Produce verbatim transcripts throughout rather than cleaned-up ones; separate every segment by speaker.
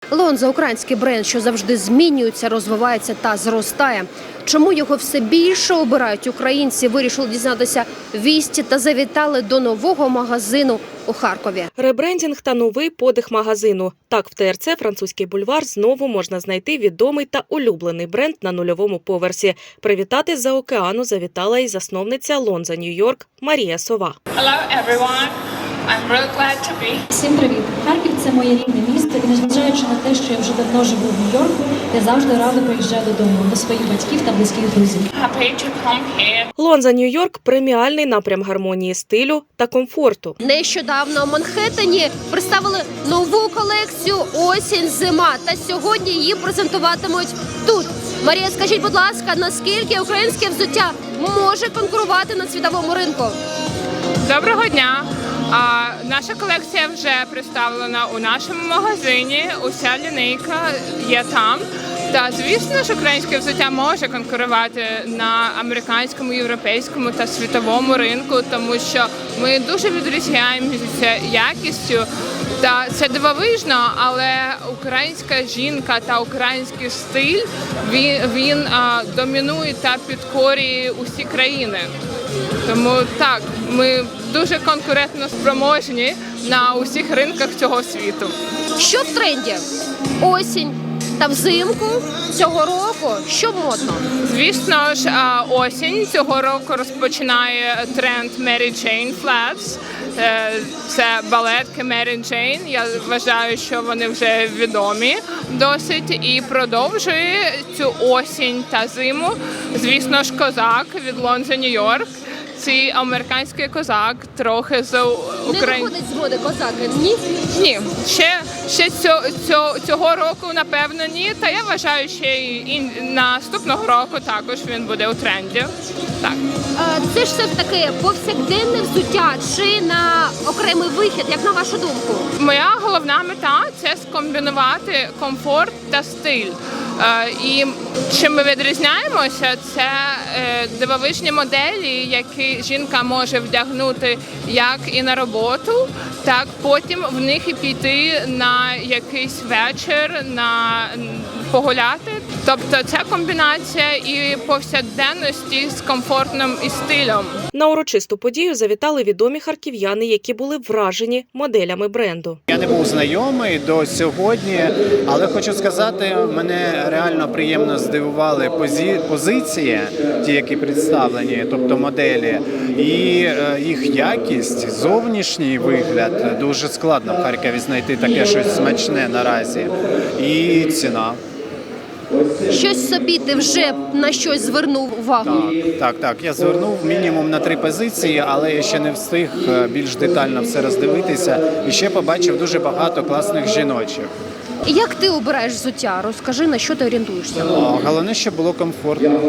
Speaker 1: Лонза – український бренд, що завжди змінюється, розвивається та зростає. Чому його все більше обирають українці, вирішили дізнатися вісті та завітали до нового магазину у Харкові.
Speaker 2: Ребрендінг та новий подих магазину. Так, в ТРЦ «Французький бульвар» знову можна знайти відомий та улюблений бренд на нульовому поверсі. Привітати з-за океану завітала і засновниця Лонза Нью-Йорк Марія Сова.
Speaker 3: Hello everyone. I'm really glad to be.
Speaker 4: Всім привіт! Харків – це моє рідне місто, і незважаючи на те, що я вже давно живу в Нью-Йорку, я завжди радо приїжджаю додому, до своїх батьків та близьких друзів.
Speaker 3: Happy to come here.
Speaker 2: Лонза Нью-Йорк – преміальний напрям гармонії стилю та комфорту.
Speaker 1: Нещодавно у Манхеттені представили нову колекцію «Осінь-зима» та сьогодні її презентуватимуть тут. Марія, скажіть, будь ласка, наскільки українське взуття може конкурувати на світовому ринку?
Speaker 3: Доброго дня. А, наша колекція вже представлена у нашому магазині. Уся лінійка є там. Та, звісно ж, українське взуття може конкурувати на американському, європейському та світовому ринку, тому що ми дуже відрізняємося якістю. Та це дивовижно, але українська жінка та український стиль, він, він а, домінує та підкорює усі країни. Тому так, ми дуже конкурентно спроможні на усіх ринках цього світу.
Speaker 1: Що в тренді? Осінь та взимку цього року? Що модно?
Speaker 3: Звісно ж, а, осінь цього року розпочинає тренд Mary Jane Flats. Е, Це балетки Mary Jane. Я вважаю, що вони вже відомі досить. І продовжує цю осінь та зиму, звісно ж, козак від Лонза Нью-Йорк. Цей американський козак трохи з України.
Speaker 1: Не виходить з моди козаки, ні?
Speaker 3: Ні, ще, ще цього, цього, цього року, напевно, ні. Та я вважаю, що і наступного року також він буде у тренді. Так.
Speaker 1: Це ж все ж таки повсякденне взуття чи на окремий вихід, як на вашу думку?
Speaker 3: Моя головна мета – це скомбінувати комфорт та стиль. І чим ми відрізняємося, це дивовижні моделі, які жінка може вдягнути як і на роботу, так потім в них і піти на якийсь вечір, на погуляти. Тобто ця комбінація і повсякденності з комфортним і стилем.
Speaker 2: На урочисту подію завітали відомі харків'яни, які були вражені моделями бренду.
Speaker 5: Я не був знайомий до сьогодні, але хочу сказати, мене реально приємно здивували позі- позиції, ті, які представлені, тобто моделі, і е, їх якість, зовнішній вигляд. Дуже складно в Харкові знайти таке щось смачне наразі. І ціна.
Speaker 1: Щось собі ти вже на щось звернув увагу?
Speaker 5: Так, так, так. Я звернув мінімум на три позиції, але я ще не встиг більш детально все роздивитися. І ще побачив дуже багато класних жіночих.
Speaker 1: Як ти обираєш взуття? Розкажи, на що ти орієнтуєшся?
Speaker 5: О, головне, щоб було комфортно.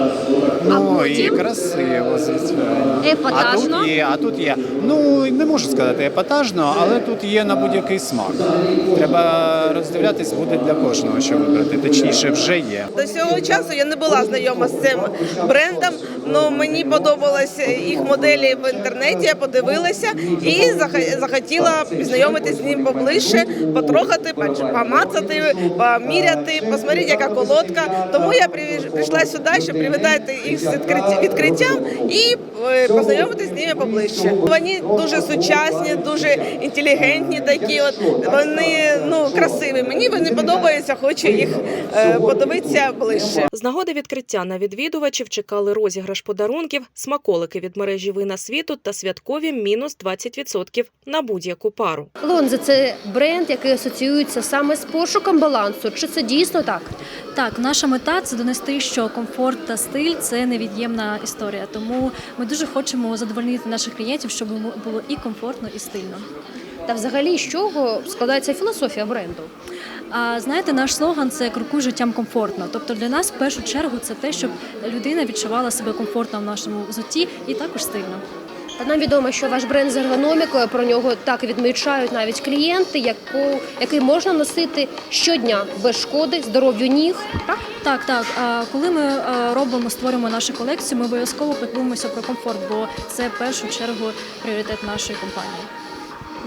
Speaker 5: Ну і
Speaker 1: потім?
Speaker 5: красиво, звичайно.
Speaker 1: Епатажно?
Speaker 5: А тут є, а тут є. Ну, не можу сказати епатажно, але тут є на будь-який смак. Треба роздивлятись буде для кожного, що вибрати. Точніше, вже є.
Speaker 6: До цього часу я не була знайома з цим брендом, але мені подобалися їх моделі в інтернеті, я подивилася і захотіла познайомитися з ним поближче, потрогати, помацати, поміряти, посмотрети, яка колодка. Тому я прийшла сюди, щоб привітати їх з відкриттям і познайомитися з ними поближче. Вони дуже сучасні, дуже інтелігентні такі, от, вони ну, красиві. Мені вони подобаються, хочу їх е, подивитися ближче.
Speaker 2: З нагоди відкриття на відвідувачів чекали розіграш подарунків, смаколики від мережі «Вина світу» та святкові мінус двадцять відсотків на будь-яку пару.
Speaker 1: Лонза – це бренд, який асоціюється саме з пошуком балансу. Чи це дійсно так?
Speaker 4: Так, наша мета – це донести, що комфорт та стиль – це невід'ємна історія. Тому ми дуже хочемо задовольнити наших клієнтів, щоб було і комфортно, і стильно.
Speaker 1: Та взагалі, з чого складається філософія бренду?
Speaker 4: А знаєте, наш слоган – це «Крокуй життям комфортно». Тобто для нас в першу чергу це те, щоб людина відчувала себе комфортно в нашому взутті і також стильно.
Speaker 1: Та нам відомо, що ваш бренд з ергономікою, про нього так відмічають навіть клієнти, яку, який можна носити щодня без шкоди здоров'ю ніг. Так?
Speaker 4: Так, так. А коли ми робимо, створюємо нашу колекцію, ми обов'язково піклуємося про комфорт, бо це в першу чергу пріоритет нашої компанії.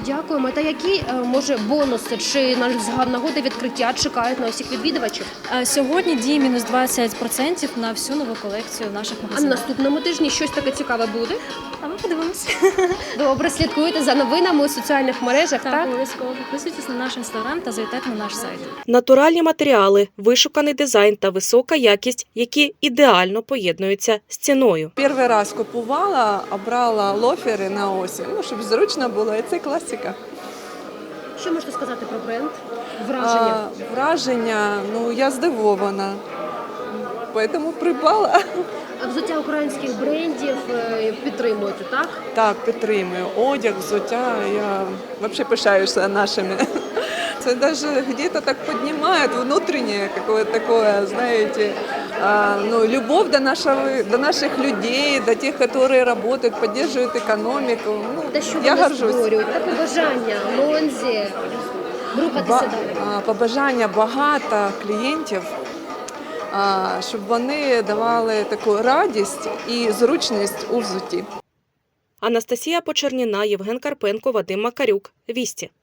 Speaker 1: Дякуємо. Та які е, може бонуси чи на нагоди відкриття чекають на усіх відвідувачів?
Speaker 4: А сьогодні діє мінус двадцять відсотків на всю нову колекцію в наших
Speaker 1: А на
Speaker 4: магазинах.
Speaker 1: наступному тижні щось таке цікаве буде?
Speaker 4: А ми подивимося.
Speaker 1: Добре, слідкуйте за новинами у соціальних мережах, так?
Speaker 4: Так, обов'язково підписуйтесь на наш інстаграм та завітайте на наш сайт.
Speaker 2: Натуральні матеріали, вишуканий дизайн та висока якість, які ідеально поєднуються з ціною.
Speaker 7: Перший раз купувала, обрала лофери на осінь, ну, щоб зручно було, і це класика.
Speaker 1: Що можете сказати про бренд? Враження?
Speaker 7: А, враження, ну, я здивована, тому придбала.
Speaker 1: А взуття українських брендів е, підтримуєте, так?
Speaker 7: Так, підтримую. Одяг, взуття, я взагалі пишаюся нашими. Це даже где-то так поднимает внутреннее какое-то такое, знаете, а, ну, любовь до, нашего, до наших людей, до тех, которые работают, поддерживают экономику. Ну,
Speaker 1: Те, що
Speaker 7: я
Speaker 1: вони
Speaker 7: горжусь.
Speaker 1: створюють, та побажання, Лонзі, рухатися
Speaker 7: Ба-
Speaker 1: далі.
Speaker 7: а, побажання багато клієнтів, а, щоб вони давали таку радість і зручність у взутті.
Speaker 2: Анастасія Почерніна, Євген Карпенко, Вадим Макарюк. Вісті.